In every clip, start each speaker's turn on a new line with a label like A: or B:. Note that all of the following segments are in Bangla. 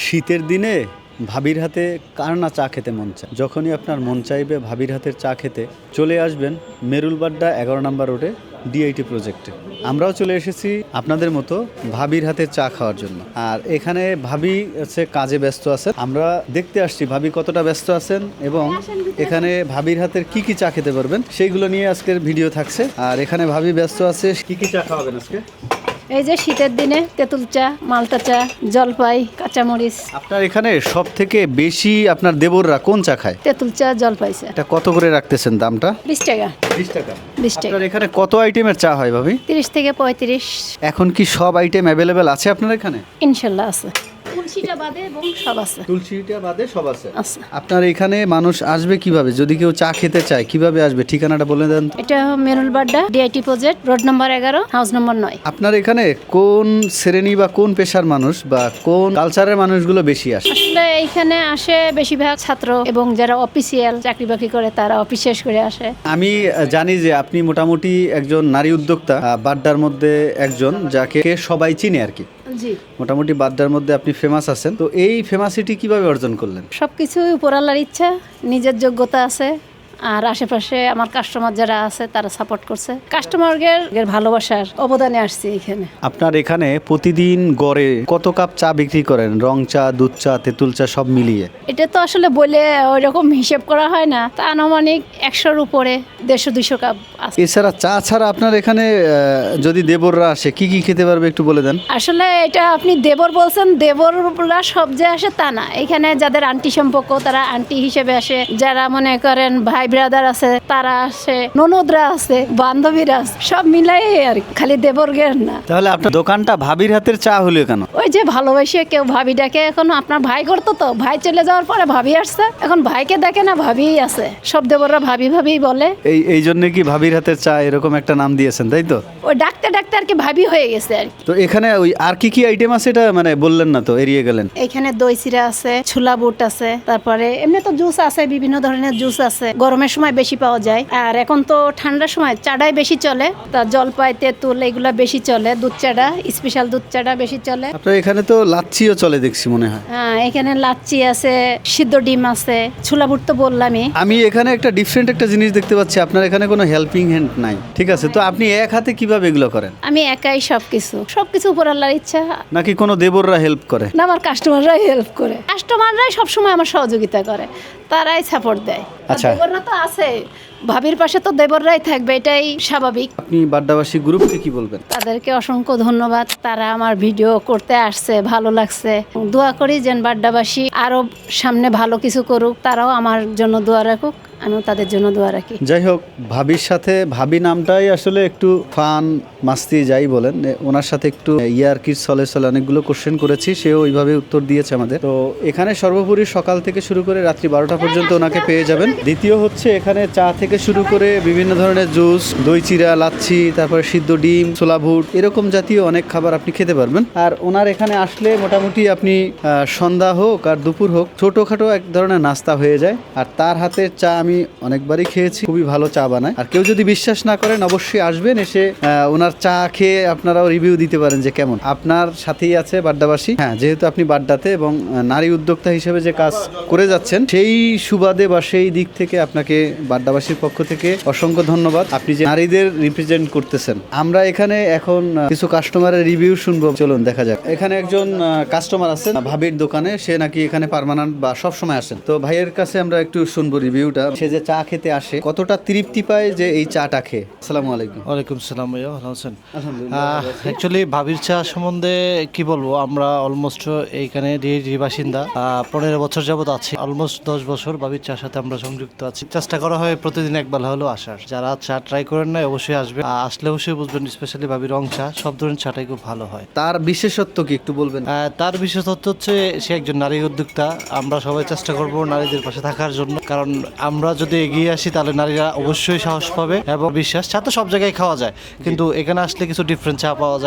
A: শীতের দিনে ভাবির হাতে কার না চা খেতে মন চায়। যখনই আপনার মন চাইবে ভাবির হাতের চা খেতে, চলে আসবেন মেরুলবাড্ডা 11 নম্বর রোডে ডিআইটি প্রজেক্টে। আমরাও চলে এসেছি আপনাদের মতো ভাবির হাতের চা খাওয়ার জন্য। আর এখানে ভাবি হচ্ছে কাজে ব্যস্ত আছেন, আমরা দেখতে আসছি ভাবি কতটা ব্যস্ত আছেন এবং এখানে ভাবির হাতের কি কি চা খেতে পারবেন সেইগুলো নিয়ে আজকের ভিডিও থাকছে। আর এখানে ভাবি ব্যস্ত আছে, কি কি চা খাওয়াবেন আজকে?
B: এই যে শীতের দিনে তেঁতুল চা, মালটা চা, জলপাই, কাঁচামরিচ।
A: আপনার এখানে সব থেকে বেশি আপনার দেবররা কোন চা খায়?
B: তেঁতুল চা, জলপাই চা।
A: এটা কত করে রাখতেছেন দামটা?
B: 20 টাকা।
A: 20 টাকা।
B: 20 টাকা।
A: আপনার এখানে কত আইটেমের চা হয় ভাবি?
B: 30 থেকে 35।
A: এখন কি সব আইটেম অ্যাভেলেবেল আছে আপনার এখানে?
B: ইনশাল্লাহ আছে। তুলসীটা বাদে এবং সব আছে।
A: তুলসীটা বাদে সব আছে।
B: আছে।
A: আপনার এখানে মানুষ আসবে কিভাবে? যদি কেউ চা খেতে চায় কিভাবে আসবে? ঠিকানাটা বলে দেন।
B: এটা Merulbadda DIT project, road number 11, house number 9।
A: আপনার এখানে কোন শ্রেণী বা কোন পেশার মানুষ বা কোন কালচারের মানুষগুলো বেশি আসে?
B: আসলে এইখানে আসে বেশিরভাগ ছাত্র এবং যারা অফিসিয়াল চাকরি বাকরি করে তারা অফিস শেষ করে আসে।
A: আমি জানি যে আপনি মোটামুটি একজন নারী উদ্যোক্তা, বাড্ডার মধ্যে একজন যাকে সবাই চিনে আর কি।
B: জি।
A: মোটামুটি বাড্ডার মধ্যে আপনি ফেমাস আছেন। তো এই ফেমাসিটি কিভাবে অর্জন করলেন?
B: সবকিছুই উপর আল্লাহর ইচ্ছা, নিজের যোগ্যতা আছে আর আশেপাশে আমার কাস্টমার যারা আছে তারা সাপোর্ট করছে। কাস্টমারদের ভালোবাসার অবদানে আসছে এখানে।
A: আপনার এখানে প্রতিদিন গড়ে কত কাপ চা বিক্রি করেন? রং চা, দুধ চা, তেঁতুল চা সব মিলিয়ে?
B: এটা তো আসলে বলে ওইরকম হিসেব করা হয় না, তা আনুমানিক 100-র উপরে 150-200 কাপ আছে।
A: এছাড়া চা ছাড়া আপনার এখানে যদি দেবররা আসে কি কি খেতে পারবে একটু বলে দেন।
B: আসলে এটা আপনি দেবর বলছেন, দেবররা সব যে আসে তা না। এখানে যাদের আন্টি সম্পর্ক তারা আন্টি হিসেবে আসে, যারা মনে করেন ভাই ব্রাদার আছে তারা আসে, ননদরা আছে, বান্ধবীরা আছে, সব মিলাই আর কি, খালি দেবরগের না।
A: তাহলে আপনার দোকানটা ভাবির হাতের চা হলো কেন?
B: ওই যে ভালোবাসে কেউ ভাবি ডাকে, এখন আপনার ভাই করতো তো, ভাই চলে যাওয়ার পরে ভাবি আসছে, এখন ভাইকে ডাকে না ভাবিই আছে, সব দেবররা ভাবি ভাবি বলে।
A: এই জন্য কি ভাবির হাতের চা এরকম একটা নাম দিয়েছেন, তাই তো?
B: ওই ডাকতে ডাকতে আর কি ভাবি হয়ে গেছে আর কি।
A: তো এখানে ওই আর কি কি আইটেম আছে এটা মানে বললেন না তো, এড়িয়ে গেলেন।
B: এখানে দই চিরা আছে, ছোলা বুট আছে, তারপরে এমনি তো জুস আছে, বিভিন্ন ধরনের জুস আছে, গরমের সময় বেশি পাওয়া যায়। আর এখন তো ঠান্ডার সময় চাটাই বেশি চলে, তা জলপাই, তেঁতুল এগুলা বেশি চলে, দুধ চাটা, স্পেশাল দুধ চাটা বেশি চলে।
A: আপনার এখানে তো লাচ্ছিও চলে দেখছি মনে হয়।
B: হ্যাঁ, এখানে লাচ্ছি আছে, সিদ্ধ ডিম আছে, ছোলা বুট তো বললামই।
A: আমি এখানে একটা ডিফারেন্ট একটা জিনিস দেখতে পাচ্ছি, আপনার এখানে কোনো হেল্পিং হ্যান্ড নাই, ঠিক আছে? তো আপনি এক হাতে কিভাবে এগুলো করেন?
B: আমি একাই সবকিছু উপর আল্লাহর ইচ্ছা।
A: নাকি কোনো দেবররা হেল্প করে?
B: না, আমার কাস্টমাররাই হেল্প করে, কাস্টমাররাই সবসময় আমার সহযোগিতা করে, তারাই সাপোর্ট দেয়।
A: আচ্ছা।
B: দেবররা তো আছে, ভাবির পাশে তো দেবররাই থাকবে, এটাই স্বাভাবিক।
A: আপনি বাড্ডাবাসী গ্রুপকে কি বলবেন?
B: তাদেরকে অসংখ্য ধন্যবাদ, তারা আমার ভিডিও করতে আসছে, ভালো লাগছে। দোয়া করি যেন বাড্ডাবাসী আরো সামনে ভালো কিছু করুক, তারাও আমার জন্য দোয়া রাখুক, আমিও তাদের জন্য দোয়া রাখি।
A: যাই হোক, ভাবির সাথে, ভাবি নামটাই আসলে একটু ফান মাস্তি যাই বলেন, ওনার সাথে একটু ইয়ারকির চলে অনেকগুলো কোশ্চেন করেছি, সেও ওইভাবে উত্তর দিয়েছে আমাদের। তো এখানে সর্বোপরি সকাল থেকে শুরু করে রাত্রি 12টা পর্যন্ত ওনাকে পেয়ে যাবেন। দ্বিতীয় হচ্ছে এখানে চা থেকে শুরু করে বিভিন্ন ধরনের জুস, দই চিরা, লাচ্ছি, তারপরে সিদ্ধ ডিম, ছোলা বুট, এরকম জাতীয় অনেক খাবার আপনি খেতে পারবেন। আর ওনার এখানে আসলে মোটামুটি আপনি সন্ধ্যা হোক আর দুপুর হোক ছোটোখাটো এক ধরনের নাস্তা হয়ে যায়। আর তার হাতের চা আমি অনেকবারই খেয়েছি, খুবই ভালো চা বানায়। আর কেউ যদি বিশ্বাস না করেন অবশ্যই আসবেন, এসে ওনার চা খেয়ে আপনারাও রিভিউ দিতে পারেন যে কেমন। আপনার সাথেই আছে বাড্ডাবাসী। হ্যাঁ, যেহেতু আপনি বাড্ডাতে এবং নারী উদ্যোক্তা হিসেবে যে কাজ করে যাচ্ছেন, সেই সুবাদে বা সেই দিক থেকে আপনাকে বাড্ডাবাসীর পক্ষ থেকে অসংখ্য ধন্যবাদ। আপনি যে নারীদের রিপ্রেজেন্ট করতেছেন। আমরা এখানে এখন কিছু কাস্টমারের রিভিউ শুনবো, চলুন দেখা যাক। এখানে একজন কাস্টমার আছেন ভাবির দোকানে, সে নাকি এখানে পার্মানেন্ট বা সব সময় আসেন। তো ভাইয়ের কাছে আমরা একটু শুনবো রিভিউটা, সে যে চা খেতে আসে কতটা তৃপ্তি পায় যে এই চাটা খেয়ে। আসসালামু আলাইকুম।
C: ওয়ালাইকুম সালাম ভাইয়া, ভালো আছেন?
A: আলহামদুলিল্লাহ।
C: অ্যাকচুয়ালি ভাবির চা সম্বন্ধে কি বলবো, আমরা অলমোস্ট এইখানে ডিএইচি বাসিন্দা, 15 বছর যাবত আছি, অলমোস্ট 10 বছর ভাবির চার সাথে আমরা সংযুক্ত আছি। চেষ্টা করা হয় প্রতিদিন একবার হলেও আসার। যারা চা ট্রাই করেন না অবশ্যই আসবে, আসলে অবশ্যই বুঝবেন, স্পেশালি ভাবির রং চা, সব ধরনের চাটাই খুব ভালো হয়।
A: তার বিশেষত্ব কি একটু বলবেন?
C: তার বিশেষত্ব হচ্ছে সে একজন নারী উদ্যোক্তা। আমরা সবাই চেষ্টা করব নারীদের পাশে থাকার জন্য, কারণ আমরা যদি এগিয়ে আসি তাহলে নারীরা অবশ্যই সাহস পাবে এবং বিশ্বাস। চা তো সব জায়গায় খাওয়া যায়, কিন্তু এখানে আসলে কিছু ডিফারেন্ট চা পাওয়া যায়।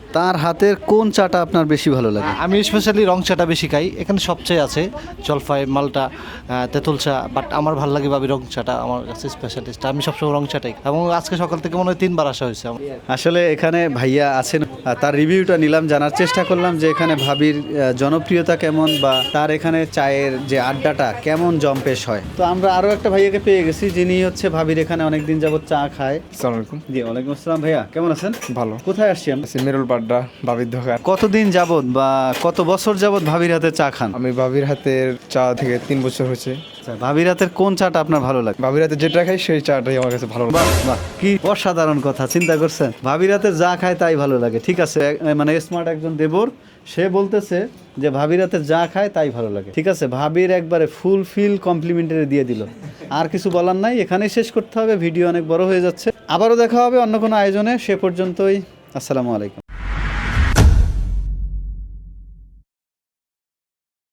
A: তার হাতের কোন চাটা আপনার বেশি ভালো লাগে?
C: আমি স্পেশালি রং চাটা বেশি খাই, এখানে সবচেয়ে আছে জলপাই, মালটা, তেঁতুল চা, বাট আমার ভালো লাগে ভাবি রং চাটা, আমার কাছে স্পেশালিস্ট। আমি সবসময় রং চাটাই খাই। এবং আজকে সকাল থেকে মনে হয় 3 বার আসা হয়েছে আমার।
A: আসলে এখানে ভাইয়া আছেন, তার রিভিউটা নিলাম, জানার চেষ্টা করলাম যে এখানে ভাবির জনপ্রিয়তা কেমন বা তার এখানে চায়ের যে আড্ডাটা কেমন জম্পেশ হয়। তো আমরা আরও একটা ভাইয়াকে পেয়ে গেছি যিনি হচ্ছে ভাবির এখানে অনেকদিন যাবত চা খায়।
D: আসসালামু আলাইকুম।
A: জি ওয়ালাইকুম আসসালাম। ভাইয়া কেমন আছেন?
D: ভালো
A: কোথায় আসছি আমরা?
D: সিমেরুল বাড্ডা বাবির দোকান।
A: কতদিন যাবত বা কত বছর যাবত ভাবির হাতে চা খান?
D: আমি বাবির হাতের চা থেকে 3 বছর হয়েছে।
A: আচ্ছা, ভাবির হাতের কোন চাটা আপনার ভালো লাগে?
D: বাবির হাতে যেটা খাই সেই চাটাই আমার কাছে ভালো লাগে।
A: বাহ বাহ, কি অসাধারণ কথা, চিন্তা করছেন ভাবির হাতে যা খায় তাই ভালো লাগে। ঠিক আছে, মানে স্মার্ট একজন দেবর, সে বলতেছে যে ভাবির হাতে যা খায় তাই ভালো লাগে। ঠিক আছে, ভাবির একবারে ফুলফিল কমপ্লিমেন্টারি দিয়ে দিল। আর কিছু বলার নাই, এখানেই শেষ করতে হবে, ভিডিও অনেক বড় হয়ে যাচ্ছে। আবারও দেখা হবে অন্য কোনো আয়োজনে, সে পর্যন্তই আসসালামু আলাইকুম।